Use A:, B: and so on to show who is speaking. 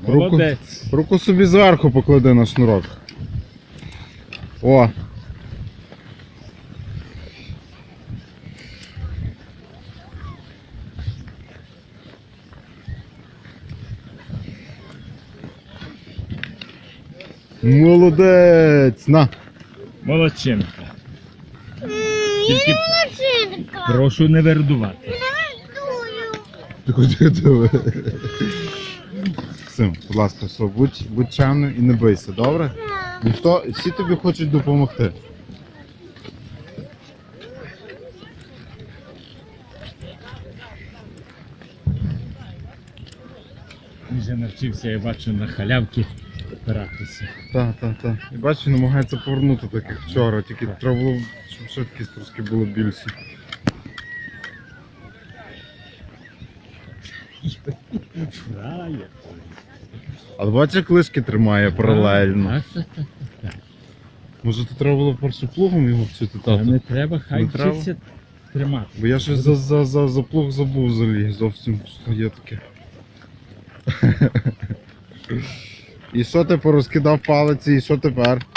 A: Молодець.
B: Руку собі зверху поклади на шнурок. О! Молодець! На!
A: Молодчинка. Тільки
C: Машинка.
A: прошу не вердувати.
B: Ти куди диви? Максим, будь ласка, все, будь чемним і не бийся, добре? Ніхто, всі тобі хочуть допомогти.
A: Він вже навчився, я бачу, на халявки опиратися.
B: Так. І бачиш, він намагається повернути так, як вчора, тільки треба було, щоб швидкість трошки було більше.
A: Фраєр.
B: Але бачиш, як лишки тримає паралельно.
A: Так.
B: Може, то треба було перше плугом його вчити,
A: Та
B: тату?
A: не треба, хай
B: Не треба?
A: вчиться тримати.
B: Бо я щось за плуг забув взагалі, зовсім що є таке. І що ти порозкидав палиці, і що тепер?